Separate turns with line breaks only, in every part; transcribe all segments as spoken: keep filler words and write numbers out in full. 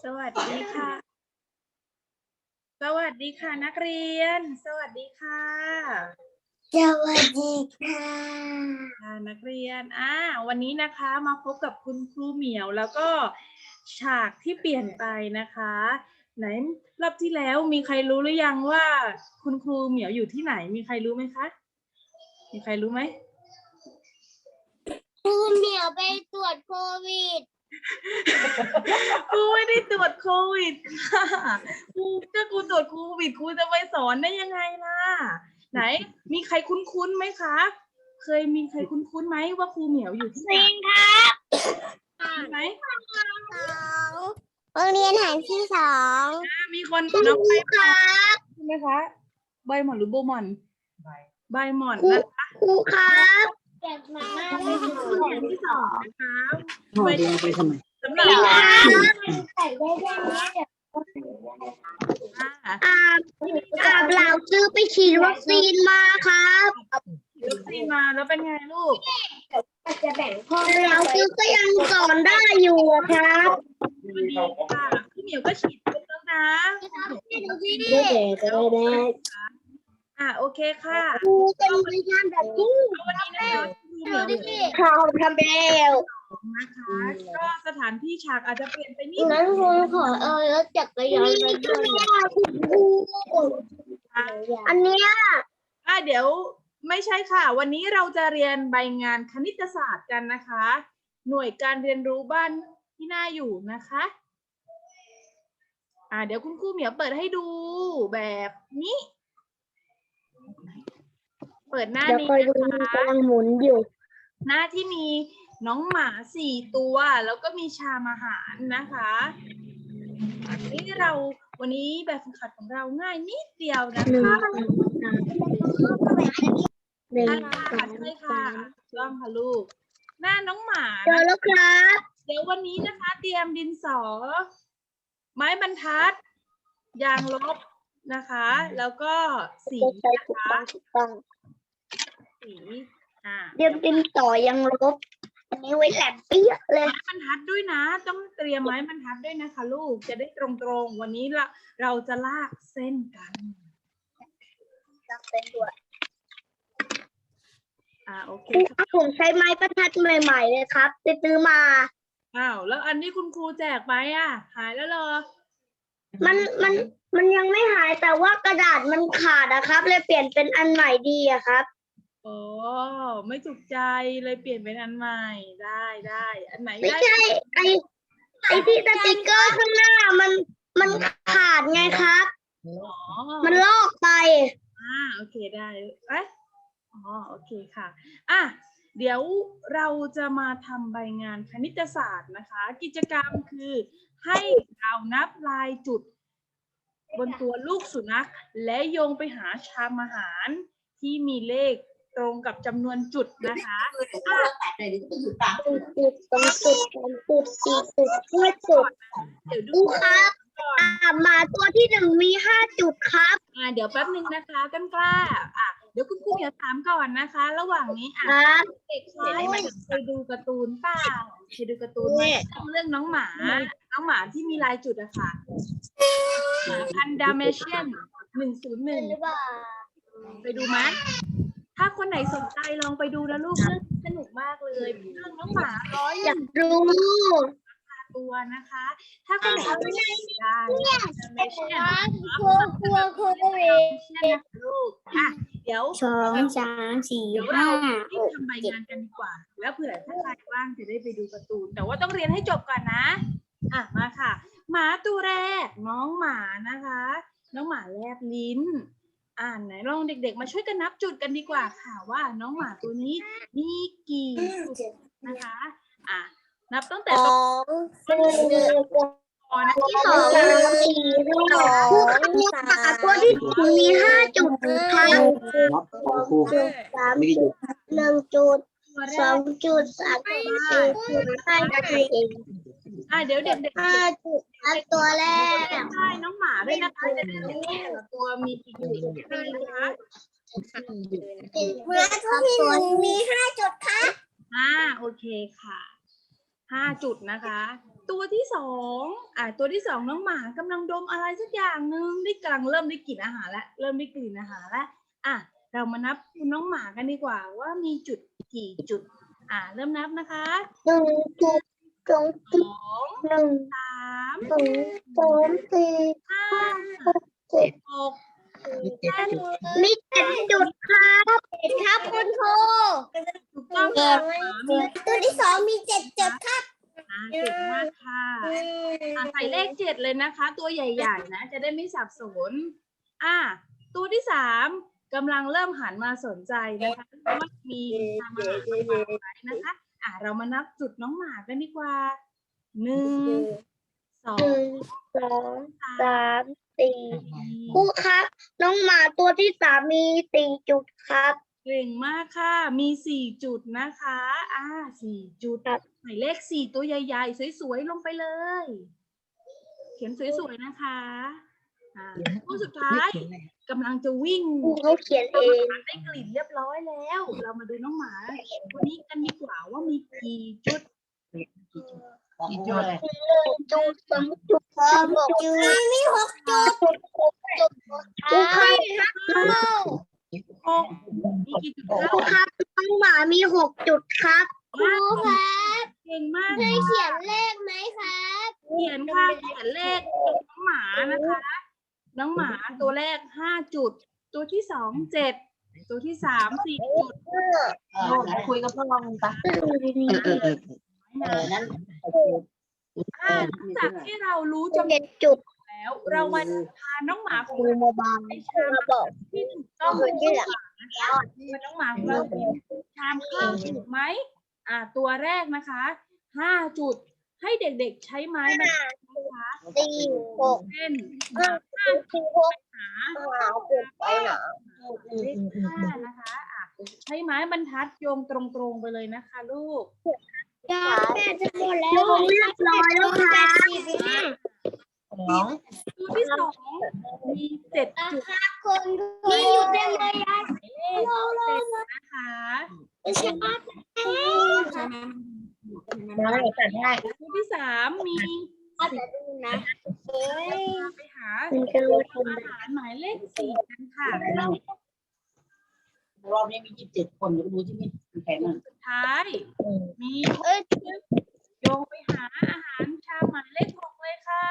สวัสดีค่ะ สวัสดีค่ะนักเรียน สวัสดีค่ะ
สวัสดีค่ะ
ค่ะนักเรียนอ่าวันนี้นะคะมาพบกับคุณครูเหมียวแล้วก็ฉากที่เปลี่ยนไปนะคะ ไหนรอบที่แล้วมีใครรู้หรือยังว่าคุณครูเหมียวอยู่ที่ไหน มีใครรู้ไหมคะ มีใครรู้ไหม
ครูเหมียวไปตรวจโควิด
ครูไม่ได้ตรวจโควิดค่ะครูถ้าครูตรวจโควิดครูจะไปสอนได้ยังไงล่ะ ไหน มีใครคุ้นๆไหมคะ เคยมีใครคุ้นๆไหมว่าครูเหมียวอยู่ที่ไหน
จริงครับ
มีไหม
สองโรงเรียนแห่งที่สอง
อ่ามีคน
คุณ
น้อง
ค
ใบ
รู
ห
ค
ม่อน
รับ
ใช่ไหมคะใบหม่อนหรือโบหม่อนใบหม่อน
ครู
นะคะ
ครูครับ
โรงเรียนแห่งที่สองนะคะ
ห่อเดียวไปทำไม
สำหรับ
ใส่ได้ได้
อ่า
อ่าอ่าเราซื้อไปฉีดวัคซีนมาครับ
ฉีดวัคซีนมาแล้วเป็นไงลูก
จะแบ่งพ่อเราซื้อก็ยังสอนได้อยู่อะครับ
วันนี้ค่ะพี่เหมียวก็ฉีดไปแล้วนะ
ได้ได้ได้
อ่าโอเคค่ะ
ครูเป็นวิชาแบบนี้
วันนี้นะคะครูเหมียว
เขาทำแล้ว
นะคะ ก็สถานที่ฉากอาจจะเปลี่ยนไปนิด
งั้นคุณขอเออแล้วจักรยานไปด้วยอันเนี้ย
อ่าเดี๋ยวไม่ใช่ค่ะ วันนี้เราจะเรียนใบงานคณิตศาสตร์กันนะคะ หน่วยการเรียนรู้บ้านที่น่าอยู่นะคะอ่าเดี๋ยวคุณครูเหมียวเปิดให้ดูแบบนี้ เปิดหน้า
เดี๋ยว
นี้
คอยดู
นะคะ
กำลังหมุนอยู่
หน้าที่มีน้องหมาสี่ตัวแล้วก็มีชามอาหารนะคะนี่เราวันนี้แบบฝึกหัดของเราง่ายนิดเดียวนะ
หนึ่ง
คะ
สองสามหนึ่ง
อ่า
สอง
ใช่ค่ะ
สาม
ต้องค่ะลูก หน้าน้องหมา
เจอแล้วครับ
เดี๋ยววันนี้นะคะ เตรียมดินสอ ไม้บรรทัด ยางลบนะคะ แล้วก็สี
จะใช้
นะ
ถูก
คะ
ต้องถูกต้อง
สีอ่า
เดี๋ยวดินต่อยังลบ อันนี้ไว้แหลมเปี้ยเลย
ไม้บรรทัดด้วยนะ ต้องเตรียมไม้บรรทัดด้วยนะคะ ลูกจะได้ตรงๆ วันนี้เราเราจะลากเส้นกัน
จับเป็นด้วย
อ่าโอเค
ครู
ค่ะ
ผมใช้ไม้ประทัดใหม่ๆเลยครับไปซื้อมา
อ้าวแล้วอันที่คุณครูแจกไปอ่ะ หายแล้วเหรอ
มันมันมันยังไม่หายแต่ว่ากระดาษมันขาดอะครับ เลยเปลี่ยนเป็นอันใหม่ดีอะครับ
อ๋อไม่ถูกใจเลยเปลี่ยนเป็นอันใหม่ได้ได้อันไหน
ไม่
ได้
ใช่ไอไอที่สติกเกอร์ข้างหน้ามันมันขาดไงครับ
อ๋อ
มันลอกไป
อ่าโอเคได้เอ๊ะอ๋อโอเคค่ะอ่ะเดี๋ยวเราจะมาทำใบงานคณิตศาสตร์นะคะ กิจกรรมคือให้เรานับลายจุด บนตัวลูกสุนัขและโยงไปหาชามอาหารที่มีเลขตรงกับจำนวนจุดนะคะอ่ะ
จุดจุดสองจุดสามจุดสี่จุดห้าจุด
เดี๋ยว
ดู
ดู
ครับ
ก่อน
อ่าหมาตัวที่หนึ่งมีห้าจุดครับ
อ่ะเดี๋ยวแป๊บนึงนะคะกันกล้าอ่ะเดี๋ยวคุณครูเดี๋ยวถามก่อนนะคะ ระหว่างนี้อ่ะ
ครับ
เด็กเคยดูการ์ตูนเปล่าเคยดูการ์ตูนไหมเรื่องน้องหมา น้องหมาที่มีลายจุดอะค่ะหมาพันธุ์ดาเมเชียนหนึ่งศูนย์หนึ่ง
หรือเปล่า
ไปดูไหมถ้าคนไหนสนใจลองไปดูนะลูกเรื่องสนุกมากเลยเรื่องน้องหมาร้อย
อยากรู้
ตัวนะคะ ถ้าคนไหนไม่ได้ได้ดาเมเชียน
ครัวครัวครัวตัวเอง
เช่นนะคะลูกอ่ะเดี๋ยว
สองสามสี่
เดี๋ยว
ห้า
เรารีบทำใบงานกันดีกว่า แล้วเผื่อถ้าใครว่างจะได้ไปดูการ์ตูน แต่ว่าต้องเรียนให้จบก่อนนะ อ่ะมาค่ะ หมาตัวแรกน้องหมานะคะ น้องหมาแลบลิ้น อ่านไหนลองเด็กๆ มาช่วยกันนับจุดกันดีกว่าค่ะว่าน้องหมาตัวนี้มีกี่จุดนะคะ อ่ะนับตั้งแต่
ส
ตร
อง งสี่
คอนะ
ที่สองสามสี่สองสามตัวที่ถึงมีห้าจุดครับ
นับของครู
จุดสาม
ไม่ได้หยุด
หนึ่งจุด
ตัวแร
สอก งจุดสามจุดสี่จุดห้าจุดเอง
อ่ะเดี๋ยวเด็กๆ
ห้าจุดอันตัวแรก
ใช่น้องหมาด้วยนะคะจะได้รู้ว่าแต่ละตัวมีกี่จุดนะคะ
เมื่อตัวที่หนึ่งมีห้าจุดครับ
อ่าโอเคค่ะห้าจุดนะคะตัวที่สองอ่าตัวที่สองน้องหมากำลังดมอะไรสักอย่างหนึ่งได้กำลังเริ่มได้กลิ่นอาหารแล้วเริ่มได้กลิ่นอาหารแล้วอ่ะเรามานับคุณน้องหมากันดีกว่าว่ามีจุดกี่จุดอ่าเริ่มนับนะคะ
หนึ่งจุดสอง
ส
จุด
อง
หนึ่ง
สาม
สองสามสี่
ห้า
เจ็ด
หก
มีเจ็ดจุด
มีเจ็ดจุดครับเจ็ดครับคุณครู
ถูกต้องค่ะหมามี
ตัวที่สองมีเจ็ดจุดครับ
อ่าเก่งมากค่ะอ่าใส่เลขเจ็ดเลยนะคะ ตัวใหญ่ๆนะ จะได้ไม่สับสนอ่าตัวที่สามกำลังเริ่มหันมาสนใจนะคะว่ามีทำอาหารมาวางไว้นะคะ อ่าเรามานับจุดน้องหมากันดีกว่าหนึ่งสอ
ห
ง
นึ่งสองสามสี่
สี่
ครูครับ น้องหมาตัวที่สามมีสี่จุดครับ
เก่งมากค่ะ มีสี่จุดนะคะ อ่าสี่จุด
ครับ
ใส่เลขสี่ตัวใหญ่ๆ สวยๆ ลงไปเลย เขียนสวยๆ นะคะ อ่าตัวสุดท้ายกำลังจะวิ่ง
ครูเขาเขียนเอง
ได้กลิ่นเรียบร้อยแล้ว เรามาดูน้องหมาวันนี้กันดีกว่าว่ามีกี่จุด
กี่จุด
จุดสองจุดสามจุดมีหกจุดจุดครูครับ
หกมีกี่จุด
ค
คะ
รูครับน้องหมามีหกจุดครับครูครับ
เก่งมาก
ให้เขียนเลขไหมครับ
เขียนค่ะเขียนเลขน้องหมานะคะ น้องหมาตัวแรกห้าจุด ตัวที่สองเจ็ด ตัวที่สามสี่จุด
คุยกับพ่อมึงปะเออเออนั่น
อ่าหลังจากที่เรารู้จำน
เจ็
วน
ดจุด
แล้ว เรามาพาน้องหมาของ
ครู
เรา
มาบาง
ไปชาม
บอก
ที่ถูกต้องเลยนะคะว่าน้องหมาของเราชามข้าวถูกไหมอ่า ตัวแรกนะคะห้าจุด ให้เด็กๆใช้ไม้บรรทัดนะคะ
สี่หก
เส้น
ห้า
ห้า
สี่หก
หา
หาจุดไปหนา
เลขห้านะคะอ่ะใช้ไม้บรรทัดโยงตรงๆไปเลยนะคะ ลูก
ยาแม่จะหมดแล้วเรียบร้อยแล้วค่ะ
สอง
ตัวที่สองมีเจ็ดจุด
คนมีอยู่เต็มเลยยาย
หมายเลขเจ็ดนะคะ
ไม่ใช่ป้า
ได้แต่ได้
ตัวที่สามมี
จะดูนะเฮ้ย
ไปหา
มันจะรู้คน
อาหารหมายเลขสี่กันค่ะ
รอบนี้มียี่สิบเจ็ดคนดูที่มีแข่งอ่ะ
สุดท้าย มี
เอ้ย
โยงไปหาอาหารชามหมายเลขหกเลยค่ะ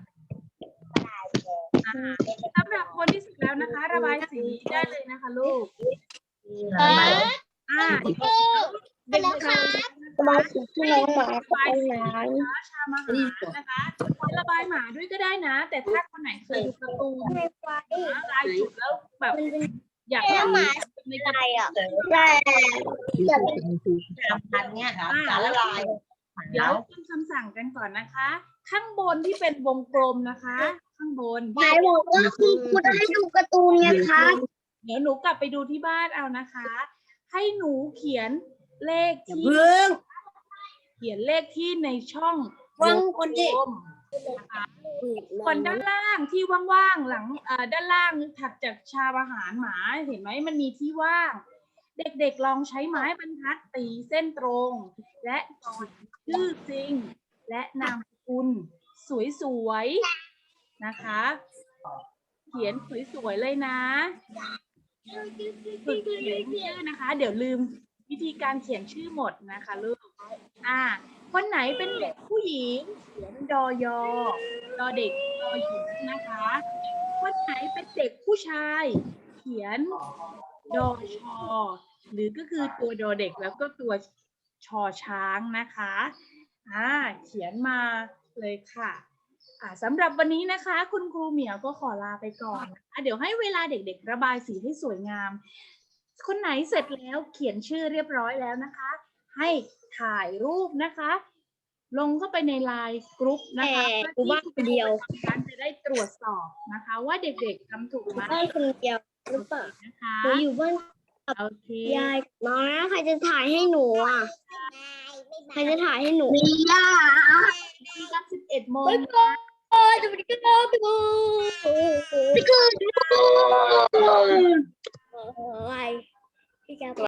อ่าสำหรับคนที่สุดแล้วนะคะ ระบายสีได้เลยนะคะลูก
เอ้ย
อ่า
ไปแล้วค่ะสมาชิกที่น้องหมาไปไหน
ชามอาหารนะคะระบายหมาด้วยก็ได้นะ แต่ถ้าคนไหนเคยดูการ์ตูนนะลายจุดแล้วแบบอยากให้หมาในกระ
อะไร
ดาษ
อ่ะแต่
สามพันเนี่ยสารละลาย
เดี๋ยวทำคำสั่งกันก่อนนะคะ ข้างบนที่เป็นวงกลมนะคะ ข้างบน
ยายบอกว่าคุณครูจะให้ดูการ์ตูนไงครับ
เดี๋ยวหนูกลับไปดูที่บ้านเอานะคะ ให้หนูเขียนเลขที่
เพิ่ง
เขียนเลขที่ในช่อง
วงคนที่
กลมนะคะส่วนด้านล่างที่ว่างๆหลังเอ่อด้านล่างถัดจากชามอาหารหมาเห็นไหมมันมีที่ว่าง เด็กๆลองใช้ไม้บรรทัดตีเส้นตรง และต่อชื่อจริง และนามสกุลสวยๆนะคะ เขียนสวยๆเลยนะฝึกเขียนชื่อนะคะ เดี๋ยวลืมวิธีการเขียนชื่อหมดนะคะลูกอ่าคนไหนเป็นเด็กผู้หญิงเขียนดอยอดอเด็กดอหญิงนะคะคนไหนเป็นเด็กผู้ชาย เขียนดอชอหรือก็คือตัวดอเด็กแล้วก็ตัวชอช้างนะคะอ่าเขียนมาเลยค่ะอ่าสำหรับวันนี้นะคะ คุณครูเหมียวก็ขอลาไปก่อนนะคะเดี๋ยวให้เวลาเด็กๆระบายสีให้สวยงาม คนไหนเสร็จแล้วเขียนชื่อเรียบร้อยแล้วนะคะ ให้ถ่ายรูปนะคะ ลงเข้าไปในไลน์กรุ๊ปนะคะ
แต่กูบ้านคนเดียว
การจะได้ตรวจสอบนะคะ ว่าเด็กๆทำถูกไหม
บ้านคนเดียวหรือเปล่า
นะคะ
หนูอยู่บ้าน
โอเค
ยายมาใครจะถ่ายให้หนูอ่ะใครจะถ่ายให้หนูมีย่า
ที่รับสิบเอ็ดโมง
ไปก่อนจะไปกินข้าวไปก่อนไปก่อนอะไรพี่แก